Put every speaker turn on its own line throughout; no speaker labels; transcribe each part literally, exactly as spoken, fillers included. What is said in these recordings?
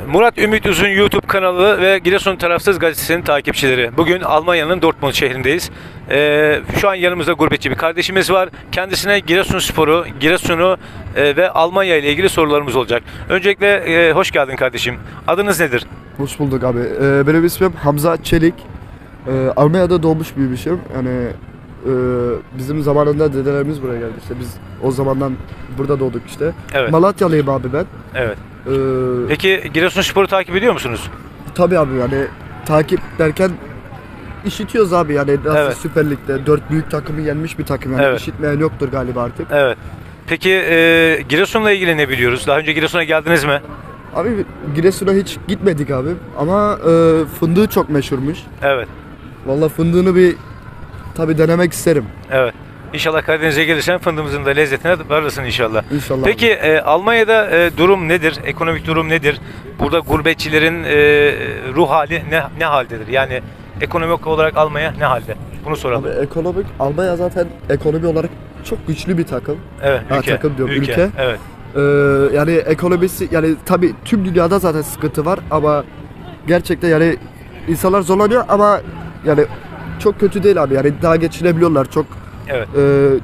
Murat Ümit Uzun YouTube kanalı ve Giresun Tarafsız Gazetesi'nin takipçileri. Bugün Almanya'nın Dortmund şehrindeyiz. Ee, şu an yanımızda gurbetçi bir kardeşimiz var. Kendisine Giresunspor'u, Giresun'u e, ve Almanya ile ilgili sorularımız olacak. Öncelikle e, hoş geldin kardeşim. Adınız nedir?
Hoş bulduk abi. Ee, benim ismim Hamza Çelik. Ee, Almanya'da doğmuş büyümüşüm. Yani e, bizim zamanında dedelerimiz buraya geldi. İşte biz o zamandan burada doğduk işte.
Evet.
Malatyalıyım abi ben.
Evet.
Ee,
Peki Giresunspor'u takip ediyor musunuz?
tabii abi yani takip derken işitiyoruz abi yani nasıl
Evet.
Süper Lig'de dört büyük takımı yenmiş bir takım yani
Evet.
işitmeyen yoktur galiba artık.
Evet. Peki e, Giresun'la ilgili ne biliyoruz? Daha önce Giresun'a geldiniz mi?
Abi Giresun'a hiç gitmedik abi ama e, fındığı çok meşhurmuş.
Evet.
Vallahi fındığını bir tabii denemek isterim.
Evet. İnşallah Karadeniz'e gelirsen fındığımızın da lezzetine varırsın inşallah.
İnşallah.
Peki e, Almanya'da e, durum nedir? Ekonomik durum nedir? Burada gurbetçilerin e, ruh hali ne ne haldedir? Yani ekonomik olarak Almanya ne halde? Bunu soralım.
Abi ekonomik Almanya zaten ekonomi olarak çok güçlü bir takım.
Evet,
Ha,
ülke.
takım diyorum, ülke.
Evet.
Ee, yani ekonomisi yani tabii tüm dünyada zaten sıkıntı var ama gerçekten yani insanlar zorlanıyor ama yani çok kötü değil abi yani daha geçinebiliyorlar çok
Evet.
e,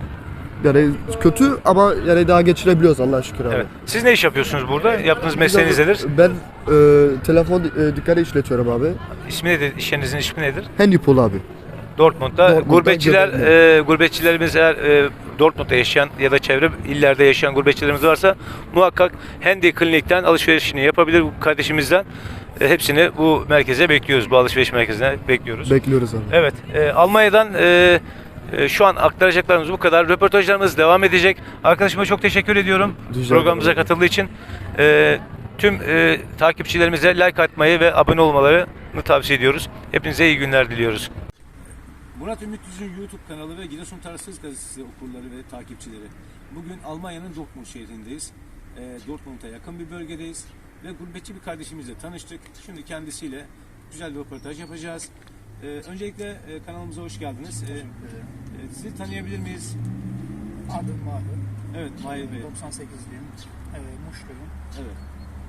yani kötü ama yani daha geçinebiliyoruz Allah'a şükür abi.
Evet. Siz ne iş yapıyorsunuz burada? Yaptığınız mesleğiniz nedir?
Ben e, telefon e, dükkanı işletiyorum abi.
İsmi nedir? İş yerinizin ismi nedir?
Handypool abi.
Dortmund'da.
Dortmund'da
Gurbetçiler,
göbekli.
e, gurbetçilerimiz eğer e, Dortmund'da yaşayan ya da çevre illerde yaşayan gurbetçilerimiz varsa muhakkak Handy Klinik'ten alışverişini yapabilir bu kardeşimizden. E, hepsini bu merkeze bekliyoruz. Bu alışveriş merkezine bekliyoruz.
Bekliyoruz abi.
Evet. E, Almanya'dan e, e, şu an aktaracaklarımız bu kadar. Röportajlarımız devam edecek. Arkadaşıma çok teşekkür ediyorum.
Rica
Programımıza
ederim.
katıldığı için. E, tüm e, takipçilerimize like atmayı ve abone olmalarını tavsiye ediyoruz. Hepinize iyi günler diliyoruz. Murat Ümit Uzun YouTube kanalı ve Giresun Tarafsız Gazetesi okurları ve takipçileri. Bugün Almanya'nın Dortmund şehrindeyiz. E, Dortmund'a yakın bir bölgedeyiz ve gurbetçi bir kardeşimizle tanıştık. Şimdi kendisiyle güzel bir röportaj yapacağız. E, öncelikle e, kanalımıza hoş geldiniz. E, e, sizi tanıyabilir miyiz?
Adım Mahir.
Evet, Mahir Bey.
doksan sekizliyim. Evet, Muşluyum.
Evet.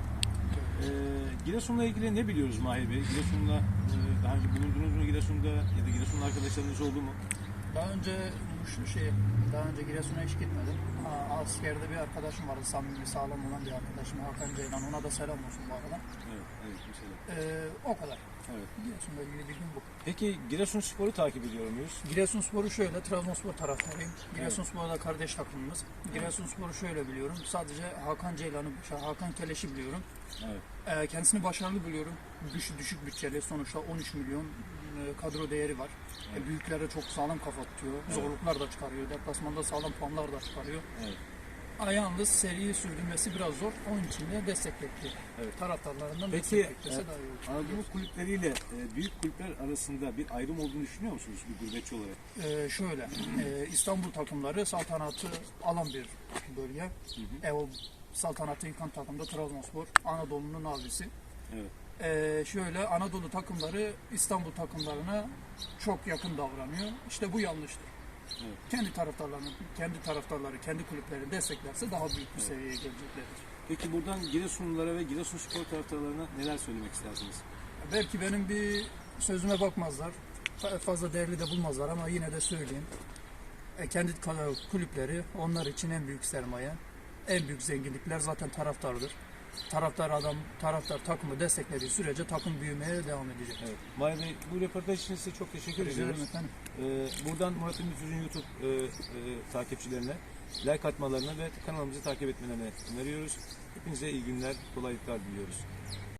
E, Giresun'la ilgili ne biliyoruz Mahir Bey? Giresun'la e, daha önce bulundunuz mu Giresun'da ya da Giresun'la arkadaşlarınız oldu mu?
Daha önce Muşlu şey, daha önce Giresun'a hiç gitmedim. Aa, askerde bir arkadaşım vardı, samimi, sağlam olan bir arkadaşım Hakan Ceylan. Ona da selam olsun bu arada.
Evet, evet, mesela.
Ee, o kadar.
Evet.
Giresun'la ilgili bilgim bu.
Peki Giresunspor'u takip ediyor muyuz?
Giresunspor'u şöyle, Trabzonspor taraftarıyım. Giresunspor da kardeş takımımız. Giresunspor'u şöyle biliyorum. Sadece Hakan Ceylan'ı, şey, Hakan Keleş'i biliyorum.
Evet.
Ee, kendisini başarılı buluyorum. Düşük, düşük bütçeli, sonuçta on üç milyon e, kadro değeri var.
Evet.
E, büyüklere çok sağlam kafa tutuyor.
Evet.
Zorluklar da çıkarıyor. Deplasmanda sağlam puanlar da çıkarıyor.
Evet.
Ama yalnız seriyi sürdürmesi biraz zor. Onun için de destek bekliyor.
Evet.
Taraftarlarından
Peki
destek beklese
e,
daha iyi olur.
Anadolu kulüpleriyle e, büyük kulüpler arasında bir ayrım olduğunu düşünüyor musunuz bir gurbetçi olarak?
Ee, şöyle, e, İstanbul takımları saltanatı alan bir bölge.
Hı hı.
E, o saltanatı yıkan takım da Trabzonspor, Anadolu'nun abisi.
Evet.
Ee, şöyle Anadolu takımları İstanbul takımlarına çok yakın davranıyor. İşte bu yanlıştır.
Evet.
Kendi taraftarlarını, kendi taraftarları, kendi kulüplerini desteklerse daha büyük bir seviyeye geleceklerdir.
Peki buradan Giresunlulara ve Giresunspor taraftarlarına neler söylemek istersiniz?
Belki benim bir sözüme bakmazlar, fa- fazla değerli de bulmazlar ama yine de söyleyeyim. E, kendi ka- kulüpleri onlar için en büyük sermaye, en büyük zenginlikler zaten taraftardır. Taraftar adam, taraftar takımı desteklediği sürece takım büyümeye devam edecek.
Evet. Mahir Bey, bu röportaj için size çok teşekkür
Rica
ediyoruz.
ederim efendim.
Ee, buradan Murat Ümit Uzun YouTube e, e, takipçilerine like atmalarını ve kanalımızı takip etmelerini öneriyoruz. Hepinize iyi günler, kolaylıklar diliyoruz.